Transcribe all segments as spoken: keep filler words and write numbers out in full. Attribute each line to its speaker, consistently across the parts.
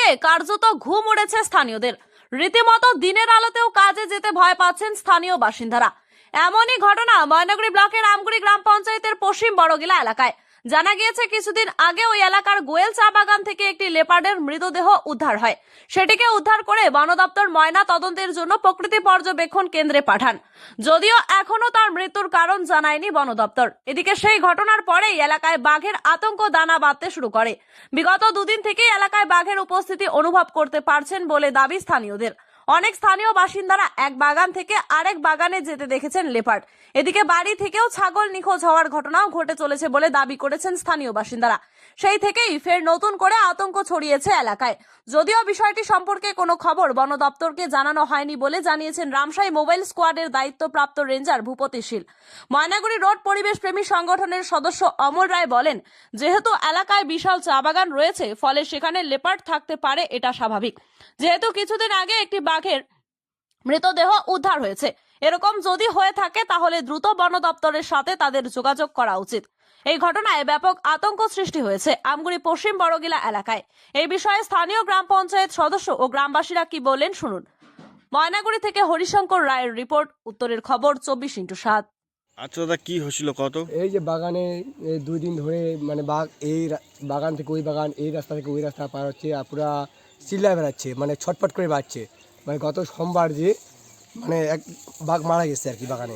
Speaker 1: থেকে কার্যত ঘুম উড়েছে স্থানীয়দের। রীতিমতো দিনের আলোতেও কাজে যেতে ভয় পাচ্ছেন স্থানীয় বাসিন্দারা। এমনই ঘটনা ময়নাগুড়ি ব্লকের আমগুড়ি গ্রাম পঞ্চায়েতের পশ্চিম বড়গিলা এলাকায়। জানা গিয়েছে কিছুদিন আগে ওই এলাকার গোয়েল চা বাগান থেকে একটি লেপার্ডের মৃতদেহ উদ্ধার হয়। সেটিকে উদ্ধার করে বন দপ্তর ময়না তদন্তের জন্য প্রকৃতি পর্যবেক্ষণ কেন্দ্রে পাঠান। যদিও এখনো তার মৃত্যুর কারণ জানায়নি বন দপ্তর। এদিকে সেই ঘটনার পরেই এলাকায় বাঘের আতঙ্ক দানা বাঁধতে শুরু করে। বিগত দুদিন থেকেই এলাকায় বাঘের উপস্থিতি অনুভব করতে পারছেন বলে দাবি স্থানীয়দের। অনেক স্থানীয় বাসিন্দারা এক বাগান থেকে আরেক বাগানে যেতে দেখেছেন লেপার্ড। এদিকে বাড়ি থেকেও ছাগল নিখোঁজ হওয়ার ঘটনাও ঘটে চলেছে বলে দাবি করেছেন স্থানীয় বাসিন্দারা। সেই থেকেই ফের নতুন করে আতঙ্ক ছড়িয়েছে এলাকায়। যদিও বিষয়টি সম্পর্কে কোনো খবর বন দপ্তরকে জানানো হয়নি বলে জানিয়েছেন রামশাই মোবাইল স্কোয়াডের দায়িত্বপ্রাপ্ত রেঞ্জার ভূপতি শীল। ময়নাগুড়ি রোড পরিবেশ প্রেমী সংগঠনের সদস্য অমর রায় বলেন, যেহেতু এলাকায় বিশাল চা বাগান রয়েছে, ফলে সেখানে লেপার্ড থাকতে পারে, এটা স্বাভাবিক। যেহেতু কিছুদিন আগে একটি বাঘের মৃতদেহ উদ্ধার হয়েছে, এরকম যদি হয়ে থাকে তাহলে দ্রুত বন দপ্তরের সাথে তাদের যোগাযোগ করা উচিত। এই ঘটনায় ব্যাপক আতঙ্ক সৃষ্টি হয়েছে আমগুড়ি পশ্চিম বড়গিলা এলাকায়। এই বিষয়ে স্থানীয় গ্রাম পঞ্চায়েত সদস্য ও গ্রামবাসীরা কি বললেন শুনুন। ময়নাগুড়ি থেকে হরিশঙ্কর রায়ের রিপোর্ট, উত্তরের খবর চব্বিশ ইন্টু সাত।
Speaker 2: আচ্ছা দাদা, কি হয়েছিল কত?
Speaker 3: এই যে বাগানে এই দুই দিন ধরে মানে বাঘ এই রা- বাগান থেকে ওই বাগান, এই রাস্তা থেকে ওই রাস্তা পার হচ্ছে, আর পুরা চিল্লায় বেড়াচ্ছে, মানে ছটফট করে বাড়ছে। মানে গত সোমবার যে মানে এক বাঘ মারা গেছে আর কি বাগানে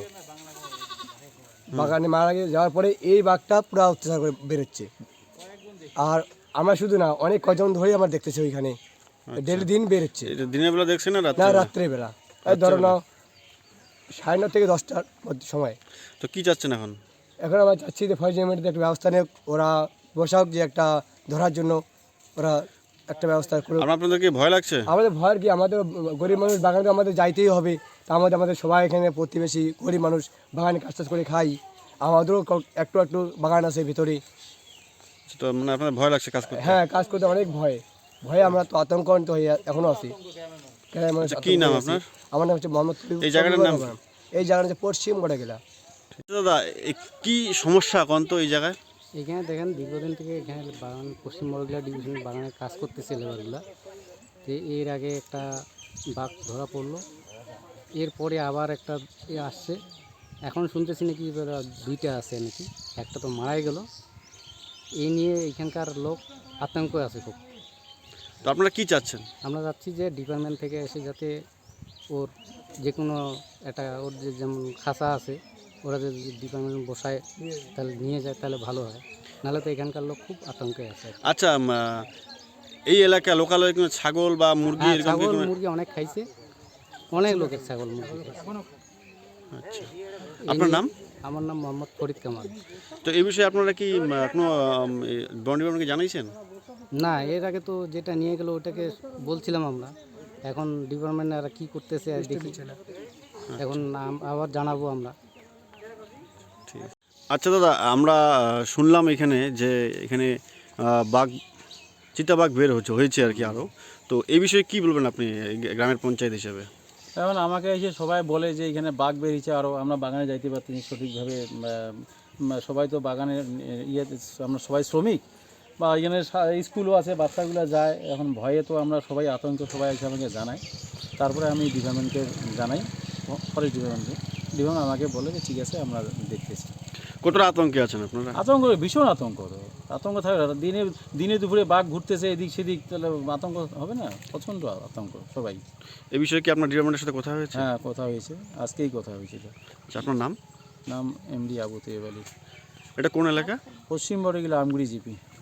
Speaker 3: বাগানে মারা গিয়ে যাওয়ার পরে এই বাঘটা পুরো অত্যাচার করে বেরোচ্ছে। আর আমরা শুধু না, অনেক কজন ধরেই আমার দেখতেছি ওইখানে ডেলি দিন বেরোচ্ছে।
Speaker 2: এটা দিনের বেলা দেখছেন না
Speaker 3: না,
Speaker 2: রাত্রে?
Speaker 3: রাত্রেবেলা এই ধরো না সাড়ে নটা থেকে দশটার মধ্যে সময়।
Speaker 2: তো কি চাচ্ছেন এখন?
Speaker 3: এখন আমরা চাচ্ছি যে ফরেস্ট ডিপার্টমেন্টের একটা ব্যবস্থা নেই, ওরা বসাক যে একটা ধরার জন্য ওরা একটা ব্যবস্থা করে।
Speaker 2: আর আপনাদের কি ভয় লাগছে?
Speaker 3: আমাদের ভয়ের কি, আমাদের গরিব মানুষ বাগানে আমাদের যাইতেই হবে। তা আমাদের আমাদের সবাই এখানে প্রতিবেশী গরিব মানুষ বাগানে কাজ টাজ করে খাই। আমাদেরও ক- একটু একটু বাগান আছে ভিতরে।
Speaker 2: তো মানে আপনাদের ভয় লাগছে কাজ করতে?
Speaker 3: হ্যাঁ, কাজ করতে অনেক ভয় ভয়ে আমরা তো আতঙ্কিত হয়ে এখনো আছি। কেন মানুষ
Speaker 2: আচ্ছা, কি
Speaker 3: আতঙ্ক
Speaker 2: নাম
Speaker 3: হয়ে আছে।
Speaker 2: আপনার?
Speaker 3: আমার নাম হচ্ছে মোহাম্মদ।
Speaker 2: এই জায়গাটার নাম কি?
Speaker 3: এই জায়গাটা হচ্ছে পশ্চিম বড়গিলা।
Speaker 2: আচ্ছা দাদা, এ কি সমস্যা কোন তো এই জায়গায়?
Speaker 4: এখানে দেখেন দীর্ঘদিন থেকে এখানে বাগান পশ্চিম বড়গিলা ডিভিশনের বাগানে কাজ করতেছে লেবারগুলা। তো এর আগে একটা বাঘ ধরা পড়লো, এরপরে আবার একটা এ আসছে। এখন শুনতেছি নাকি এবার দুইটা আছে নাকি, একটা তো মারাই গেল। এই নিয়ে এখানকার লোক আতঙ্ক আছে খুব।
Speaker 2: তো আপনারা কি চাচ্ছেন?
Speaker 4: আমরা চাচ্ছি যে ডিপার্টমেন্ট থেকে এসে যাতে ওর যে কোনো একটা ওর যে যেমন খাঁচা আছে, ওরা যদি ডিপার্টমেন্ট বসায় তাহলে নিয়ে যায় তাহলে ভালো হয়, নাহলে তো এখানকার লোক খুব আতঙ্কে আছে।
Speaker 2: আচ্ছা, উম, আহ, এই এলাকায় লোকালয়ে কোনো ছাগল বা মুরগি
Speaker 4: হ্যাঁ,
Speaker 2: এরকম কি
Speaker 4: ছাগল
Speaker 2: কোনো-
Speaker 4: মুরগি অনেক খাইছে, অনেক লোকের ছাগল মুরগি খাইছে।
Speaker 2: আচ্ছা,
Speaker 4: এই
Speaker 2: আপনার
Speaker 4: নিয়ে-
Speaker 2: নাম?
Speaker 4: আমার নাম মোহাম্মদ ফরিদ কামাল।
Speaker 2: তো এই বিষয়ে আপনারা কি উম, কোনো আম, এ, বন ডিপার্টমেন্টকে জানাইছেন?
Speaker 4: না, এর আগে তো যেটা নিয়ে গেল ওটাকে বলছিলাম আমরা, এখন ডিপার্টমেন্ট আর কি করতেছে আর দেখি, এখন আম- আবার জানাবো আমরা।
Speaker 2: ঠিক আছে। আচ্ছা দাদা, আমরা আহ, শুনলাম এখানে যে এখানে আহ, বাঘ চিতাবাঘ বের হচ্ছে হয়েছে আর কি আরও। তো এই বিষয়ে কি বলবেন আপনি এই গ্রামের পঞ্চায়েত হিসাবে?
Speaker 5: এখন আমাকে এসে সবাই বলে যে এখানে বাঘ বেরিয়েছে, আরও আমরা বাগানে যাইতে পারছি না সঠিকভাবে। উম, উম, সবাই তো বাগানের ইয়ে, আমরা সবাই শ্রমিক বা এখানে সা- স্কুলও আছে, বাচ্চাগুলো যায়। এখন ভয়ে তো আমরা সবাই আতঙ্ক, সবাই এসে আমাকে জানাই। তারপরে আমি ডিপার্টমেন্টকে জানাই, ফরেস্ট ডিপার্টমেন্টকে। ডিপার্টমেন্ট আমাকে বলে যে ঠিক আছে, আমরা দেখতেছি।
Speaker 2: কতটা আতঙ্কে আছেন আপনারা?
Speaker 5: আতঙ্ক, ভীষণ আতঙ্ক তো আতঙ্ক থাকে। দিনে দিনে দুপুরে বাঘ ঘুরতেছে এদিক সেদিক, তাহলে আতঙ্ক হবে না? প্রচণ্ড আতঙ্ক সবাই।
Speaker 2: এই বিষয়ে কি আপনার ডিপার্টমেন্টের সাথে কথা হয়েছে?
Speaker 5: হ্যাঁ, কথা হয়েছে, আজকেই কথা হয়েছিল।
Speaker 2: আচ্ছা, আপনার নাম?
Speaker 5: নাম এমডি আবু তৈয়ব আলী।
Speaker 2: এটা কোন এলাকা?
Speaker 5: পশ্চিম বড়গিলা আমগুড়ি জিপি।